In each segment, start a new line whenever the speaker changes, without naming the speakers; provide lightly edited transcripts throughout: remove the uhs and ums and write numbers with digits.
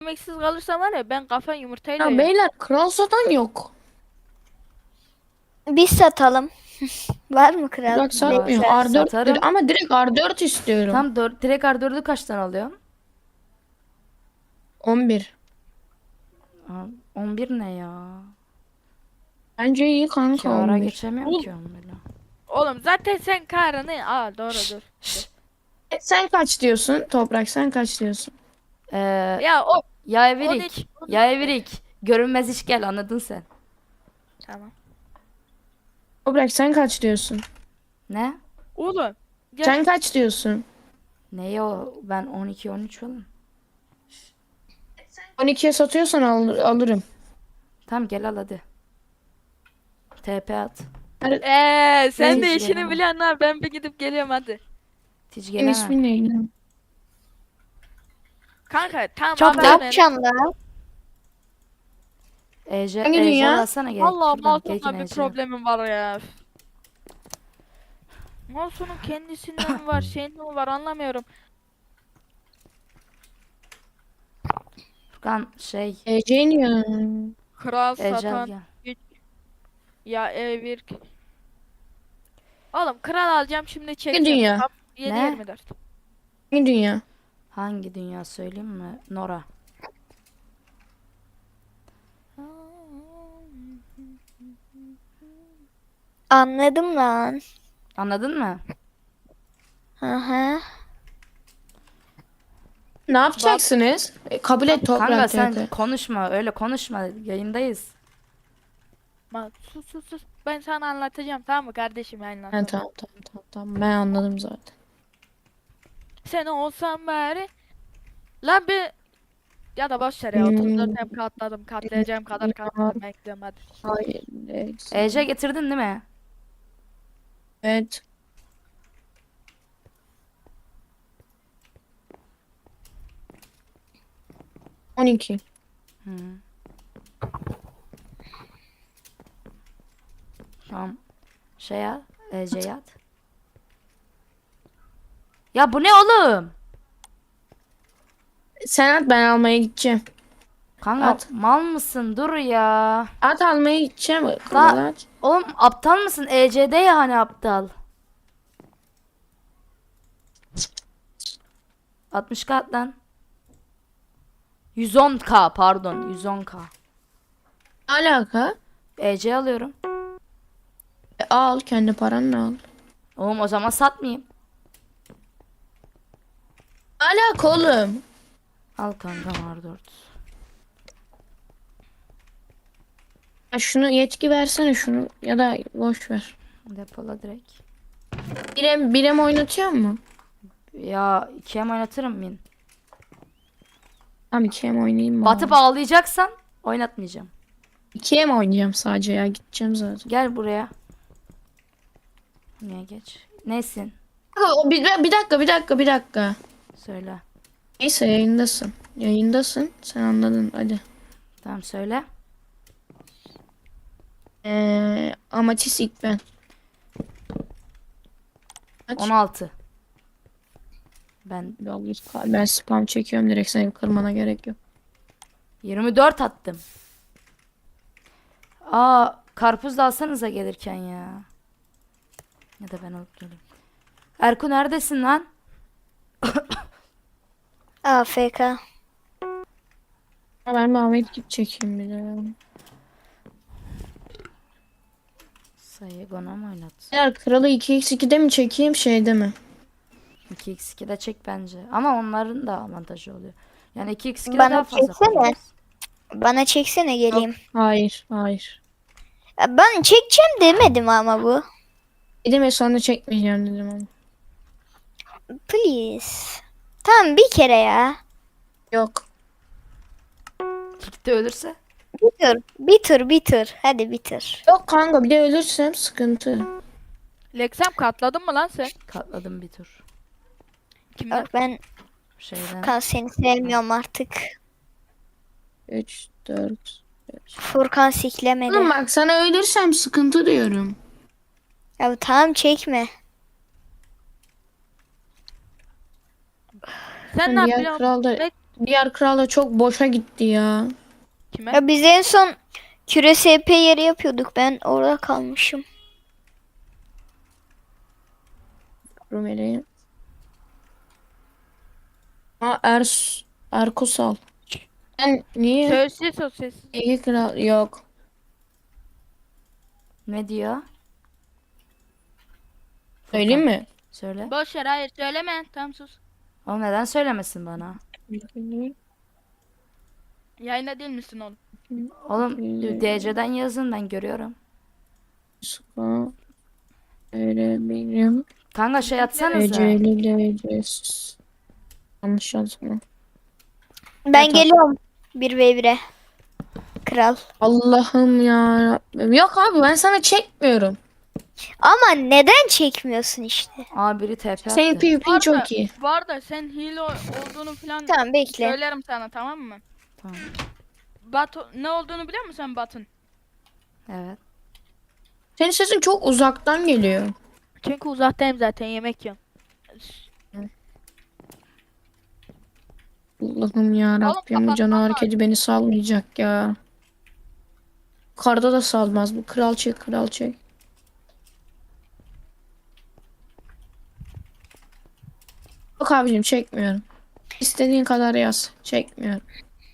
Yemeksiz kalırsam var ya ben kafa yumurtayla
Ya
yerim.
beyler kral satan yok.
Biz satalım. Var mı kral?
Burak satmıyor.
Bekler.
Var.
R4
Satarım.
ama direkt R4 istiyorum.
Tam direkt R4'ü kaçtan alıyorsun?
11.
Aa, 11 ne ya?
Bence iyi kanka
Kâra
11.
geçemiyorum ki 11'le.
Oğlum zaten sen karını... Aa doğru dur.
Sen kaç diyorsun? Toprak sen kaç diyorsun?
Ee,
Ya o
ya Evirik.
13.
Ya Evirik. Görünmez iş gel, anladın sen.
Tamam.
Toprak sen kaç diyorsun?
Ne?
Oğlum gel.
Sen kaç diyorsun?
Neye o? Ben 12-13 falan.
12'ye satıyorsan alırım.
Tamam gel al hadi. TP at.
Sen de
Hiç
işini
gelemem.
biliyorsun ha. Ben bir gidip geliyorum hadi.
Hiç
Senin
gelemem.
ismin neydi?
Kanka tamam
Çok
haber
da-
ver.
Yapacaksın da.
Ece,
Hangi
Ece
dünya?
alsana gel.
Vallahi
Şuradan Gekin
Mouse'umla bir
Ece.
problemim var ya. Mouse'un kendisinden mi var, şeyinden mi var anlamıyorum.
Furkan şey.
Genius.
Kral
Ece al
satan
gel.
güç ya evir. Oğlum kral alacağım şimdi çekeceğim.
dünya?
Tam
Ne?
7-24.
Hangi dünya?
Hangi dünya söyleyeyim mi? Nora.
Anladım lan.
Anladın mı?
Hı hı.
Ne yapacaksınız? Kabul et
Kanka
Toprak
sen
TP.
konuşma, öyle konuşma. Yayındayız.
Sus sus sus. Ben sana anlatacağım tamam mı kardeşim
Ha,
anlatacağım.
tamam. Ben anladım zaten.
Sen olsan bari. Lan bir ya da boş ver ya 34 hem katladım. Katlayacağım kadar katladım. Ben gidiyorum hadi.
Hayır.
Ece getirdin değil mi?
Evet. On iki.
Hı. Tamam. Şey al. Ece'ye at. Ya bu ne oğlum?
Sen at ben almaya gideceğim.
Kanka
At.
mal mısın? Dur ya.
At almaya gideceğim.
Da
Kral at.
oğlum aptal mısın? EC'de ya hani aptal. 60k at lan. 110k pardon 110k.
Ne alaka?
EC alıyorum.
Al kendi paranla al.
Oğlum o zaman satmayayım.
Ne alaka oğlum?
Al kanka R4.
Ya şunu yetki versene şunu ya da boş ver.
Depola direkt.
Birem oynatıyor mu?
Ya 2'ye oynatırım min.
Tamam 2'ye mi oynayayım
Batıp
bari?
ağlayacaksan oynatmayacağım.
2'ye mi oynayacağım sadece ya gideceğim zaten.
Gel buraya. Niye geç? Nesin?
Bir dakika.
Söyle.
Neyse yayındasın. Yayındasın. Sen anladın hadi.
Tamam söyle.
Amatis ilk ben. Kaç?
16. Ben
Ben spam çekiyorum direkt seni kırmana gerek yok.
24 attım. Aa, karpuz da alsanıza gelirken ya. Ya da ben alıp geleyim. Erku neredesin lan?
AFK.
Ben bir Ahmet git çekeyim bir de.
Sayıgon'a mı oynat?
Eğer kralı 2x2'de mi çekeyim şeyde mi?
2x2'de çek bence. Ama onların da avantajı oluyor. Yani 2x2'de
Bana
daha fazla
çeksene.
kullanırız.
Bana çeksene geleyim.
Hayır.
Ya ben çekeceğim demedim ama bu.
Dedim ya sonra çekmeyeceğim dedim ama.
Please. Tamam bir kere ya.
Yok.
Gitti ölürse.
Bir tur. Hadi bir tur.
Yok kanka bir de ölürsem sıkıntı.
Lexem katladın mı lan sen?
Katladım bir tur.
Kimden?
Bak ben
Şeyden.
Seni sevmiyorum artık.
3, 4.
Furkan siklemedi.
Oğlum bak sana ölürsem sıkıntı diyorum.
Ya tamam çekme.
Sen
Ben
ne
diğer
yapıyorsun?
kral da
Bek
Diğer kral da çok boşa gitti ya.
Kime?
Ya biz en son küre SP yeri yapıyorduk. Ben orada kalmışım.
Rumeli. Erkusal. Ben niye?
Sosis.
İyi kral yok.
Ne diyor?
Söyleyeyim mi?
Söyle.
Boş ver, hayır söyleme. Tamam sus.
Oğlum neden söylemesin bana?
Yayında değil misin oğlum?
Oğlum DC'den yazın, ben görüyorum.
Ska verebilirim.
Kanka şey atsanıza.
Eceli derecesiz. Yanlış yazma.
Ben
Evet,
geliyorum 1v1'e. Kral.
Allah'ım ya Rabbim. Yok abi ben sana çekmiyorum.
Ama neden çekmiyorsun işte?
Aa, biri TP
Senin
attı.
PvP'in çok iyi.
Bu arada sen hile olduğunu falan
Tamam bekle.
söylerim sana, tamam mı?
Tamam.
Ne olduğunu biliyor musun sen Batın?
Evet.
Senin sesin çok uzaktan geliyor.
Çünkü uzaktayım zaten, yemek yiyorum.
Allah'ım ya
Oğlum,
Rabbim bu
kapatman
canavar
lazım.
kedi beni salmayacak ya. Karda da salmaz bu. Kral çek, kral çek. Yok abicim çekmiyorum. İstediğin kadar yaz. Çekmiyorum.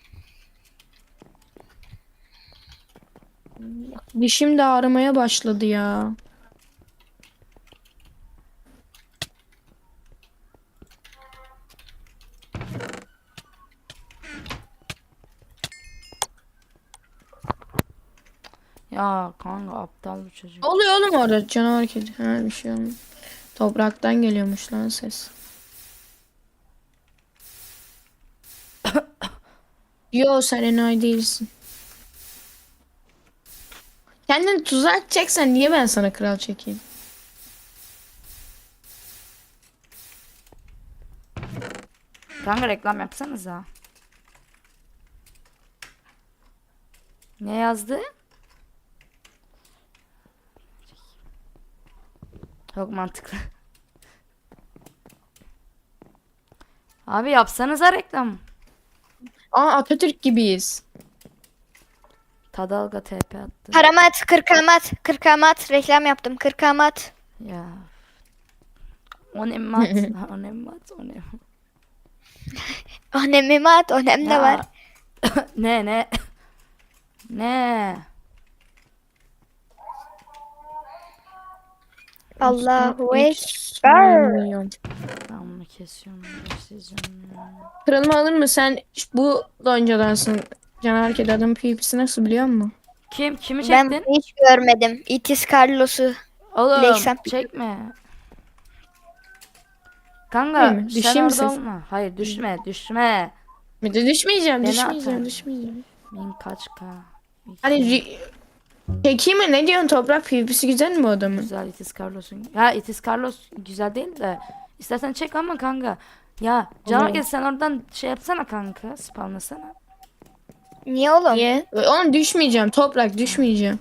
Dişim de ağrımaya başladı ya.
Ya kanka aptal bu çocuk.
Ne oluyor oğlum orada canavar kedi? Ha bir şey olmuyor. Topraktan geliyormuş lan ses. Yo sen enayi değilsin. Kendini tuzağa atacaksan niye ben sana kral çekeyim?
Kanka reklam yapsanıza. Ne yazdı? Çok mantıklı. Abi yapsanıza reklam.
Aa Atatürk gibiyiz.
Tadalga TP attı.
Paramat, kırkamat, kırkamat. Reklam yaptım. Kırkamat.
Ya. Onemat. Onemat.
Önemli at, önem de var.
Ne? Ne?
Allahu
Hiç
Ekber.
sevmiyorum.
Ben bunu kesiyorum. Başlayacağım ya.
Kralımı alır mı? Sen bu loncaдаnsın. Canavar kedi adamın PvP'si nasıl biliyor musun?
Kimi
Ben
çektin?
hiç görmedim. Itis Carlos'u.
Oğlum
Leysem.
çekme. Kanka
Değil mi?
sen
Düşeyim mi
orada
ses?
olma. Hayır düşme.
Bir de düşmeyeceğim,
Beni
düşmeyeceğim,
atar.
düşmeyeceğim.
Bin kaç k?
Hani çekeyim mi? Ne diyorsun toprak PvP'si güzel mi bu adamın?
Güzel Itis Carlos'un. Ya Itis Carlos güzel değil de. İstersen çek ama kanka. Ya canavar
Olur.
gel sen oradan şey yapsana kanka. Spamlasana.
Niye oğlum?
Niye? Oğlum düşmeyeceğim toprak düşmeyeceğim.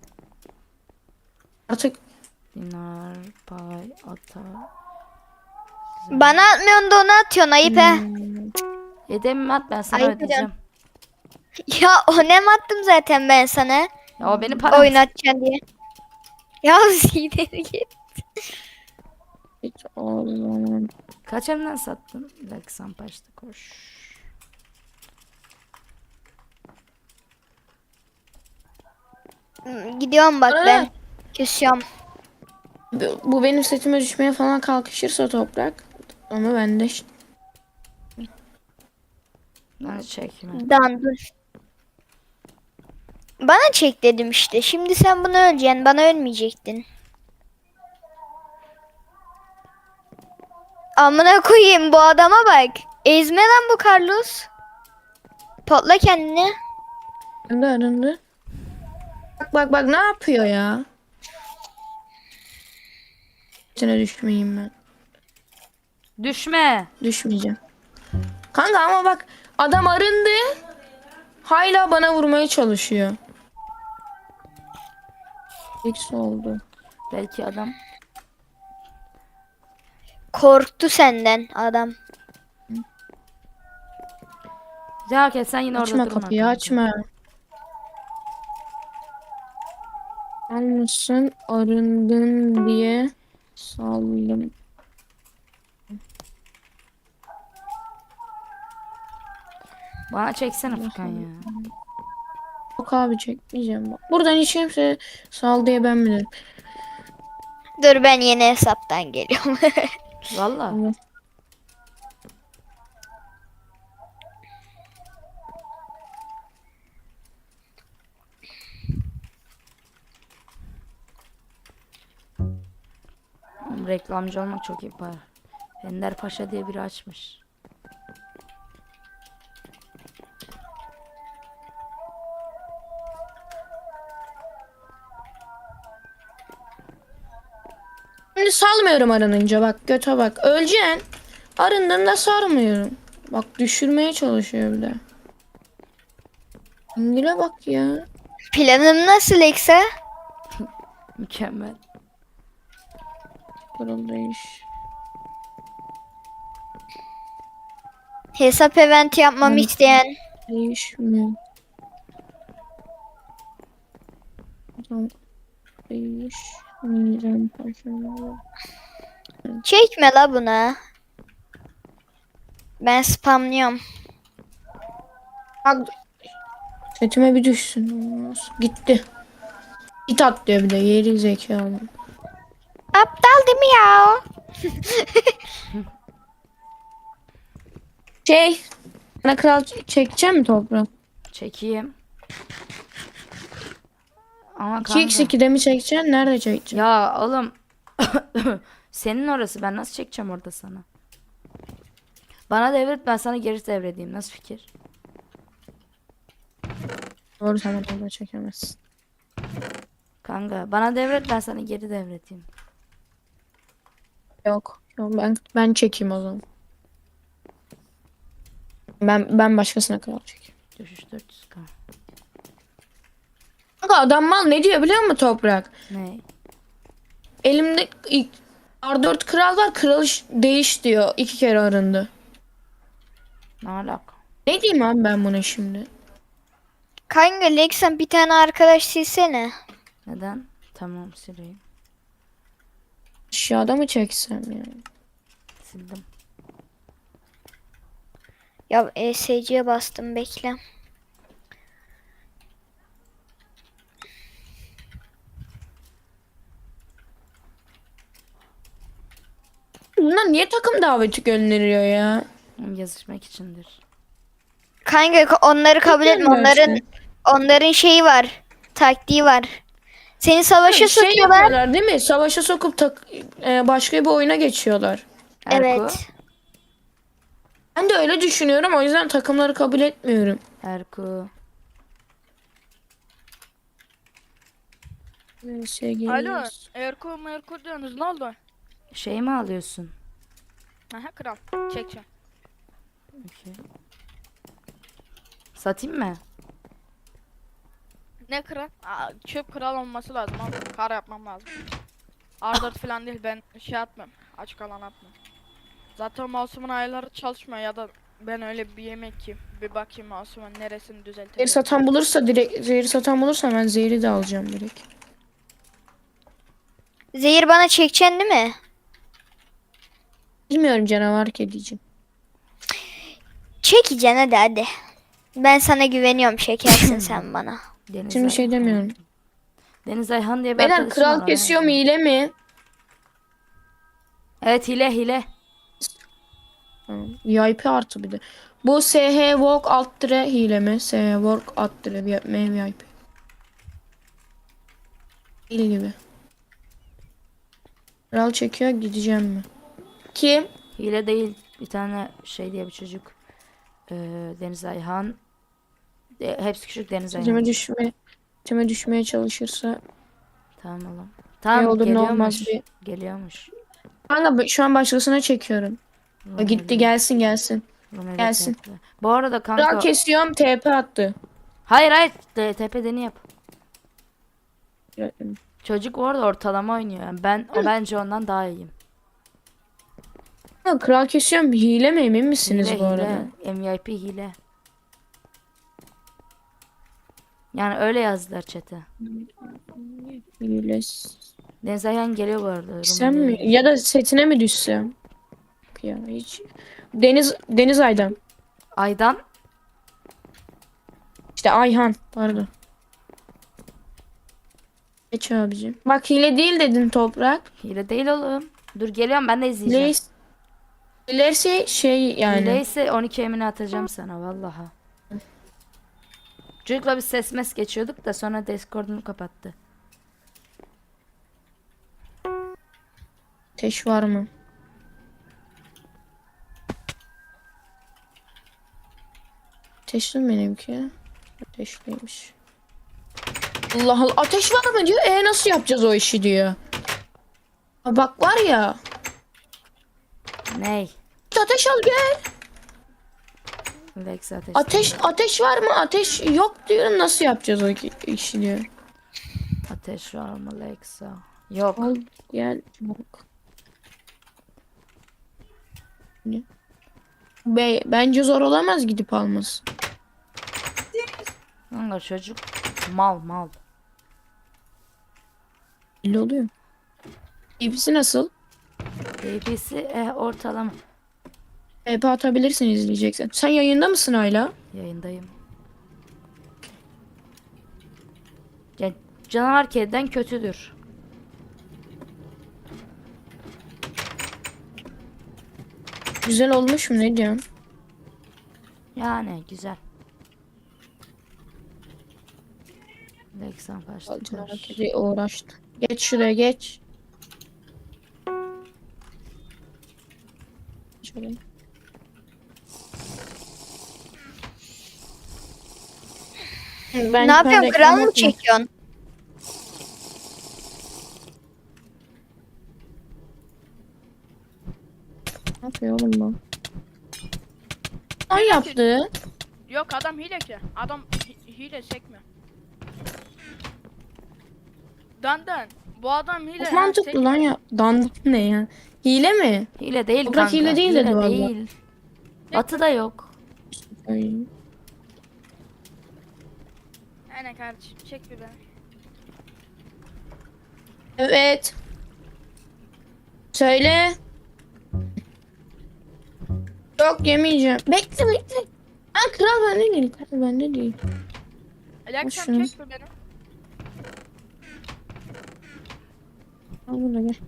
Artık
Dinar, pay, ata.
Bana atmıyorsun da ona atıyorsun. Ayıp he.
Yedemimi at ben sana
Ayıp
ödeyeceğim.
Ya önem attım zaten ben sana.
Ya o benim param.
Oynatacaksın diye. Ya ileri git.
hiç olmam.
Kaç elimden sattın? Bir dakika Sampaş'ta koş.
Gidiyorum bak
Aa!
ben. Kesiyorum.
Bu benim setime düşmeye falan kalkışırsa toprak. Ama ben de
Ben çekme.
Dur. Bana çek dedim işte. Şimdi sen bunu öleceksin. Bana ölmeyecektin. Amına koyayım bu adama bak. Ezme lan bu Carlos. Patla kendini.
arındı. Bak ne yapıyor ya? Setine düşmeyeyim ben.
Düşme.
Düşmeyeceğim. Kanka ama bak adam arındı. Hala bana vurmaya çalışıyor. X oldu.
Belki adam.
Korktu senden adam.
Caket sen yine orada
Açma
durma
kapıyı
kanka.
açma. Almışsın arındın diye saldım.
Bana çeksene Furkan ya.
Yok abi çekmeyeceğim bak. Buradan hiç kimse sal diye ben bilirim.
Dur ben yeni hesaptan geliyorum.
Valla.
Tamam.
Reklamcı olmak çok iyi para. Ender Paşa diye biri açmış.
Şimdi salmıyorum arınınca bak göte bak. Öleceksin. Arındığında sarmıyorum. Bak düşürmeye çalışıyor bir de. İngil'e bak ya.
Planım nasıl Eksa?
Mükemmel.
Kırıldı iş.
Hesap eventi yapmamı
Ben-
isteyen.
Değişmiyor. Tamam. Değişmeyeceğim paşam.
Çekme la buna. Ben spamlıyorum.
Bak setime bir düşsün. Gitti. Git at diyor bir de yeri zekalı.
Aptal değil mi ya?
Bana kral çekeceğim mi toprağı?
Çekeyim. Ama
2x2'de mi çekeceksin? Nerede çekeceksin?
Ya oğlum. Senin orası. Ben nasıl çekeceğim orada sana? Bana devret, ben sana geri devredeyim. Nasıl fikir?
Doğru sen orada çekemezsin.
Kanka bana devret, ben sana geri devredeyim.
Yok. Yok ben çekeyim o zaman. Ben başkasına kral çekeyim.
Düşüş 400k.
Kanka adam mal ne diyor biliyor musun Toprak?
Ne?
Elimde R4 kral var. Kral değiş diyor. 2 kere arındı.
Ne alaka?
Ne diyeyim abi ben buna şimdi?
Kanka Lexan bir tane arkadaş silsene.
Neden? Tamam, sileyim.
Aşağıda mı çeksem yani?
Sildim.
Ya ESC'ye bastım bekle.
Bunlar niye takım daveti gönderiyor ya?
Yazışmak içindir.
Kanka onları kabul etme.
Bilmiyorum
Onların şeyi var. Taktiği var. Seni savaşa
Şey
sokuyorlar.
yapıyorlar değil mi? Savaşa sokup başka bir oyuna geçiyorlar.
Erko.
Evet.
Ben de öyle düşünüyorum. O yüzden takımları kabul etmiyorum.
Erko.
Alo. Erko diyorsunuz ne oldu?
Şey mi alıyorsun?
Aha kral. Çekeceğim.
Okey. Satayım mı?
Ne kral? Çöp kral olması lazım abi. Kar yapmam lazım. R4 falan değil ben şey atmam. Açık alan atmam. Zaten mouse'umun ayarları çalışmıyor ya da ben öyle bir yemek ki bir bakayım mouse'umun neresini
Zehir
düzelteceğim.
satan bulursa direkt zehir satan bulursa ben zehri de alacağım direkt.
Zehir bana çekeceksin değil mi?
Bilmiyorum canavar kediciğim.
Çekeceksin hadi. Ben sana güveniyorum, çekersin sen bana.
Deniz
Şimdi şey demiyorum.
Deniz Ayhan diye bir
Beyler
arkadaşım
kral
var,
kesiyor mu
ona-
hile mi?
Evet, hile.
Tamam. VIP artı bir de. Bu SH Walk alt dire hile mi? SH Walk alt dire VIP. Hile gibi. Kral çekiyor gideceğim mi? Kim?
Hile değil. Bir tane şey diye bir çocuk. Deniz Ayhan. Hepsi küçük Deniz Ayhan.
Teme düşmeye çalışırsa
Tamam oğlum. Tamam,
ne olur ne
geliyormuş.
olmaz bir.
Geliyormuş.
Kanka şu an başkasına çekiyorum. O gitti gelsin.
Rumeli
gelsin.
TP. Bu arada
Kral
kanka.
kesiyorum TP attı.
Hayır. TP'deni yap. Çocuk orada ortalama oynuyor. Yani o bence ondan daha iyiyim.
Kral kesiyorum hile mi emin misiniz
Hile
bu arada?
hile. MVIP hile. Yani öyle yazdılar chat'e.
Hiles.
Deniz Ayhan geliyor bu arada.
Sen
Rumeli'ye
mi?
geliyor.
Ya da setine mi düşsem? Ya hiç. Deniz Aydan.
Aydan.
İşte Ayhan. Pardon. Geç abicim. Bak hile değil dedin Toprak.
Hile değil oğlum. Dur geliyorum ben de izleyeceğim.
Hile hilerse şey yani.
Hile ise 12 emini atacağım sana vallahi. Çocukla bir ses mes geçiyorduk da sonra Discord'unu kapattı.
Ateş var mı? Ateşli mi benimki? Ateşliymiş. Allah Allah. Ateş var mı diyor. Nasıl yapacağız o işi diyor. Ha, bak var ya.
Ney?
Ateş al gel.
Lex ateş.
Ateş var mı? Ateş yok diyorum. Nasıl yapacağız o işi diyor.
Ateş var mı Lexa? Yok.
Al gel. Çabuk. Ne? Bence zor olamaz gidip alması.
Kanka çocuk mal.
Belli oluyor. İpsi nasıl?
DP'si ortalama.
EP atabilirsin izleyeceksen. Sen yayında mısın hala?
Yayındayım. Ya, canavar kediden kötüdür.
Güzel olmuş mu ne diyorsun?
Yani güzel. Lexan kaçtı.
Hareketi uğraştı. Geç şuraya geç. Şöyle. Ben
Ne yapıyorsun?
reklam
Kral mı
yapmıyorum.
çekiyorsun?
Ne yapıyor oğlum bu? Ne yaptı?
Yok adam hile ki. Adam hile çekmiyor. Dandan. Bu adam hile.
Çok
ha,
mantıklı lan ya. Dandik ne ya? Hile mi?
Hile değil
Toprak
kanka.
hile değil dedi vallahi.
değil. Atı da yok.
Ay.
Aynen kardeşim çek bir beni.
Evet. Söyle. Yok yemeyeceğim. Bekle. Ha kral bende değil. Kral bende değil.
Alaksan
şunu.
çek bir beni.
Al bunu gel.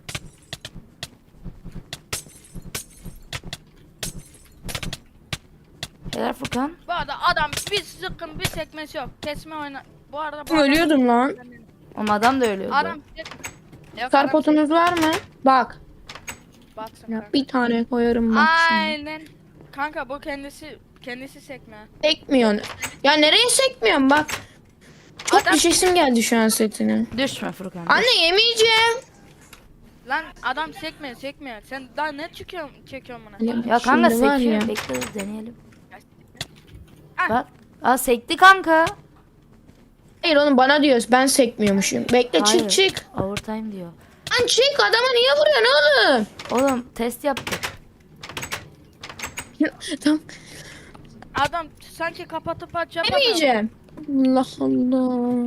Helal Furkan.
Bu arada adam bir sıkın bir sekmesi yok. Kesme oyna. Bu arada bu
Ölüyordum lan.
Oğlum adam da ölüyordu.
Adam yok,
Karpotunuz var mı? Bak.
baksın
Ya
kanka.
bir tane koyarım bak şimdi.
Aynen. Kanka bu kendisi sekme.
Sekmiyorsun. Ya nereye sekmiyorsun bak. Çok
Adam-
düşesim geldi şu an setine.
Düşme Furkan.
Anne yemeyeceğim.
Lan adam sekme. Sen daha ne çekiyorsun buna?
Ya kanka
Şimdi var
sekiyor.
ya.
Bekle dur deneyelim.
Ah.
Bak. Aa sekti kanka.
Hayır oğlum bana diyoruz ben sekmiyormuşum. Bekle
Hayır.
çık.
Overtime diyor.
Lan çık adama niye vuruyorsun oğlum?
Oğlum test yaptık.
Tamam
Adam sanki kapatıp açacak.
yemeyeceğim. Allah Allah.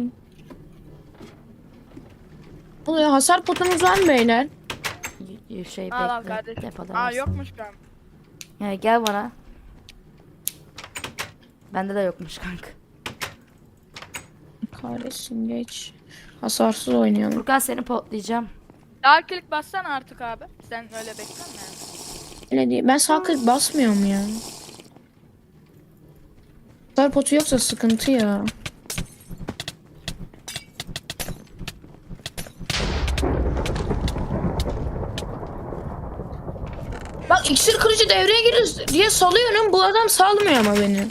Oluyor hasar potumuz var mı beyler?
Şey
Al
bekle.
kardeşim.
Depoda
Aa
varsın.
yokmuş kanka.
Ya gel bana. Bende de yokmuş kanka.
Kahretsin geç. Hasarsız oynayalım.
Furkan seni potlayacağım.
Sağ klik bassana artık abi. Sen öyle bekleme yani.
Öyle değil. Ben sağ klik basmıyorum ya. Hasar potu yoksa sıkıntı ya. Bak iksir kırıcı devreye girir diye salıyorum. Bu adam salmıyor ama beni.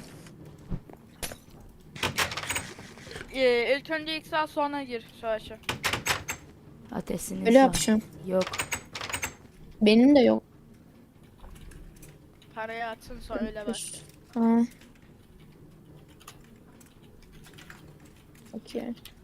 İlk önce ilk sağ sonra gir savaşa.
Ateşini
Öyle
şu an.
yapacağım.
Yok.
Benim de yok.
Parayı atsın sonra öyle bak.
Ha. Okey.